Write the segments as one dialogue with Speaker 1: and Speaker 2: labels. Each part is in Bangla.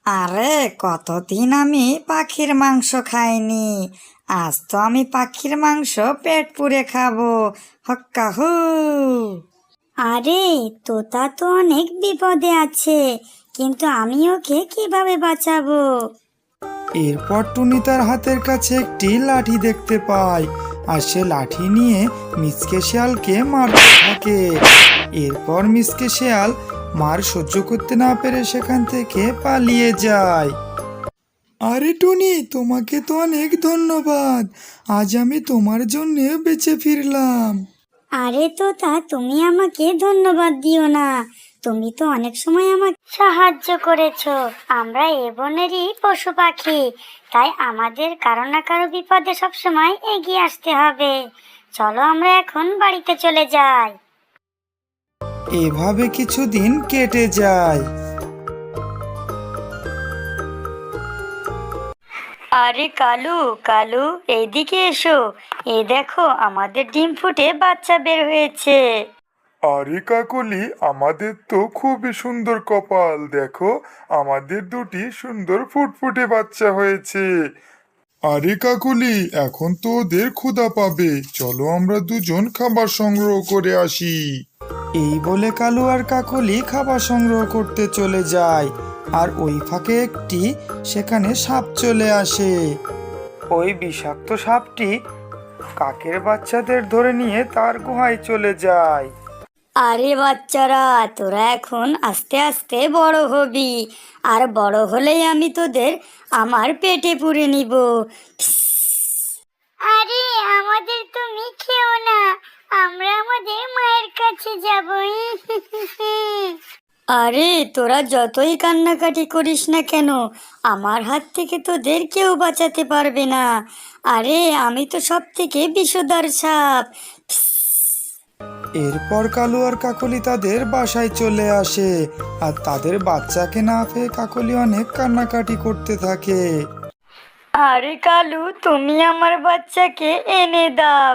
Speaker 1: আরে কতদিন আমি পাখির মাংস খাইনি। আজ তো আমি পাখির মাংস পেট পুরে খাবো। হক্কা হু।
Speaker 2: আরে, তোতা তো অনেক বিপদে আছে, কিন্তু আমি ওকে কিভাবে বাঁচাবো?
Speaker 3: এরপর টুনি তার হাতের কাছে একটি লাঠি দেখতে পায়, আর সে লাঠি নিয়ে মিসকে শিয়ালকে মারতে থাকে। এরপর মিসকে শিয়াল মার সহ্য করতে না পেরে সেখান থেকে পালিয়ে যায়। আরে টুনি, তোমাকে তো অনেক ধন্যবাদ। আজ আমি তোমার জন্য বেঁচে ফিরলাম।
Speaker 2: আরে তোতা, তুমি আমাকে ধন্যবাদ দিও না। তুমি তো অনেক সময় আমাকে সাহায্য করেছো। আমরা এ বনেরই পশু পাখি, তাই আমাদের কারো না কারো বিপদে সবসময় এগিয়ে আসতে হবে। চলো আমরা এখন বাড়িতে চলে যাই।
Speaker 3: এভাবে কিছুদিন কেটে যায়।
Speaker 2: আরে কালু, কালু, এইদিকে এসো। এই দেখো, আমাদের ডিম ফুটে বাচ্চা বের হয়েছে।
Speaker 4: আরে কাকলি, আমাদের তো খুবই সুন্দর কপাল। দেখো, আমাদের দুটি সুন্দর ফুটফুটে বাচ্চা হয়েছে। আরে কাকলি, এখন তো ওদের ক্ষুধা পাবে। চলো আমরা দুজন খাবার সংগ্রহ করে আসি।
Speaker 3: এই বলে কালু আর কাকলি খাবার সংগ্রহ করতে চলে যায়, আর ওই ফাঁকে একটি সেখানে সাপ চলে আসে। ওই বিষাক্ত সাপটি কাকের বাচ্চাদের ধরে নিয়ে তার গুহায় চলে যায়।
Speaker 2: আরে বাচ্চারা, তোরা এখন আস্তে আস্তে বড় হবি, আর বড় হলেই আমি তোদের আমার পেটে পুরে নিব। আরে আমাদের তুমি খেও না, আমরা আমাদের মায়ের কাছে যাব। আরে তোরা যতই কান্নাকাটি করিস না কেন, আমার হাত থেকে তোদের কেউ বাঁচাতে পারবে না। আরে আমি তো সব থেকে বিষধর সাপ।
Speaker 3: এরপর কালু আর কাকলি তাদের বাসায় চলে আসে, আর তাদের বাচ্চাকে না পেয়ে কাকলি অনেক কান্নাকাটি করতে থাকে।
Speaker 2: আরে কালু, তুমি আমার বাচ্চাকে এনে দাও।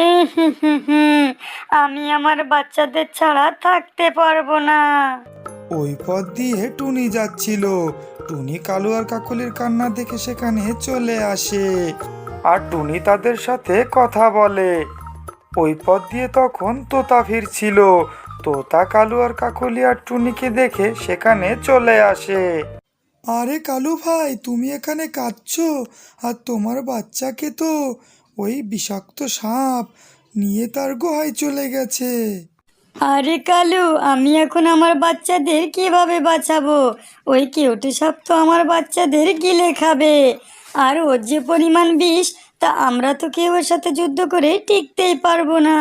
Speaker 2: আমি আমার বাচ্চাদের ছাড়া থাকতে পারবো না।
Speaker 3: ওই পথ দিয়ে টুনি যাচ্ছিল। টুনি কালু আর কাকলির কান্না দেখে সেখানে চলে আসে, আর টুনি তাদের সাথে কথা বলে। ওই পথ দিয়ে তখন তোতা ফিরছিল। তোতা কালু আর কাকলি আর টুনিকে দেখে সেখানে চলে আসে। আরে কালু ভাই, তুমি এখানে কাঁদছো? আর তোমার বাচ্চাকে তো ওই বিষাক্ত সাপ নিয়ে তার গুহায় চলে গেছে।
Speaker 2: আরে কালু, আমি এখন আমার বাচ্চাদের কিভাবে বাঁচাবো? ওই কেউটে সাপ তো আমার বাচ্চাদের গিলে খাবে। আর ওর যে পরিমাণ বিষ, তা আমরা তো কেউ ওর সাথে যুদ্ধ করে টিকতেই পারবো না।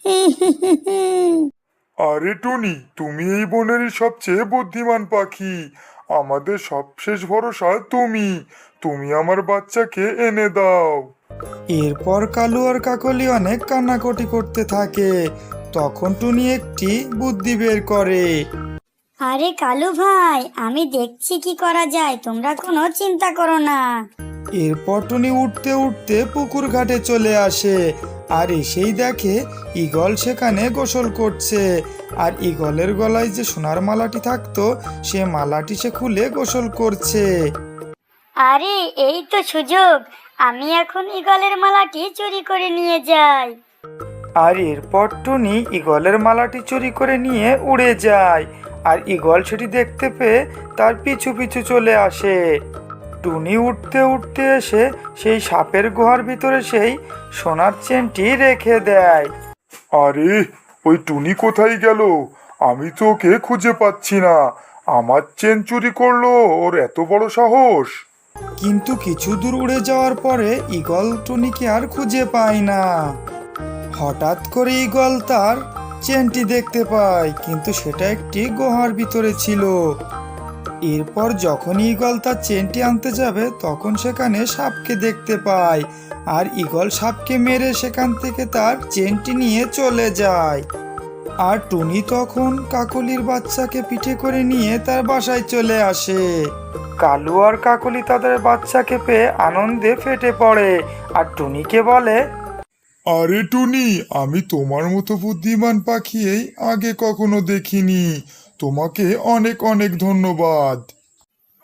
Speaker 4: আরে টুনি, তুমি এই বনের সবচেয়ে বুদ্ধিমান পাখি। আমাদের সবশেষ ভরসা তুমি। তুমি আমার বাচ্চাকে এনে দাও।
Speaker 3: এরপর কালু আর কাকলি অনেক কান্নাকাটি করতে থাকে। তখন টুনি একটি বুদ্ধি বের করে।
Speaker 2: আরে কালু ভাই, আমি দেখছি কি করা যায়, তোমরা কোনো চিন্তা করো না।
Speaker 3: এরপর টুনি উঠতে উঠতে পুকুর ঘাটে চলে আসে, আর এসেই দেখে ঈগল সেখানে গোসল করছে। আর ঈগলের গলায় যে সোনার মালাটি থাকতো, সে মালাটি সে খুলে গোসল করছে।
Speaker 2: আরে এই তো সুযোগ, আমি এখন ঈগলের মালাটি চুরি করে নিয়ে যাই।
Speaker 3: আর এরপর টুনি ঈগলের মালাটি চুরি করে নিয়ে উড়ে যায়, আর ঈগল সেটি দেখতে পেয়ে তার পিছু পিছু চলে আসে। টুনি উঠতে উঠতে এসে সেই সাপের গুহার ভিতরে সেই সোনার চেনটি রেখে দেয়।
Speaker 4: আরে, ওই টুনি কোথায় গেল? আমি তো ওকে খুঁজে পাচ্ছি না। আমার চেন চুরি করলো, ওর এত বড় সাহস!
Speaker 3: কিন্তু কিছু দূর উড়ে যাওয়ার পরে ঈগল টুনিকে আর খুঁজে পায় না। হঠাৎ করে ঈগল তার চেনটি দেখতে পায়, কিন্তু সেটা একটি গুহার ভিতরে ছিল। এরপর যখন ঈগল তার চেনটি আনতে যাবে, তখন সেখানে সাপকে দেখতে পায়, আর ঈগল সাপকে মেরে সেখান থেকে তার চেনটি নিয়ে চলে যায়। আর টুনি তখন কাকলির বাচ্চাকে পিঠে করে নিয়ে তার বাসায় চলে আসে। কালু আর কাকলি তাদের বাচ্চাকে পেয়ে আনন্দে ফেটে পড়ে, আর টুনিকে বলে,
Speaker 4: আরে টুনি, আমি তোমার মতো বুদ্ধিমান পাখি এই আগে কখনো দেখিনি। তোমাকে অনেক অনেক ধন্যবাদ।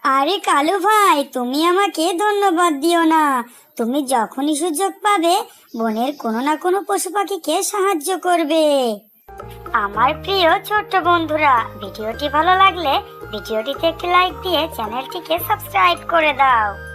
Speaker 2: আরে কালু ভাই, তুমি আমাকে ধন্যবাদ দিও না। তুমি যখনই সুযোগ পাবে বনের কোনো না কোনো পশু পাখিকে সাহায্য করবে। আমার প্রিয় ছোট্ট বন্ধুরা, ভিডিওটি ভালো লাগলে ভিডিওটিতে একটি লাইক দিয়ে চ্যানেলটিকে সাবস্ক্রাইব করে দাও।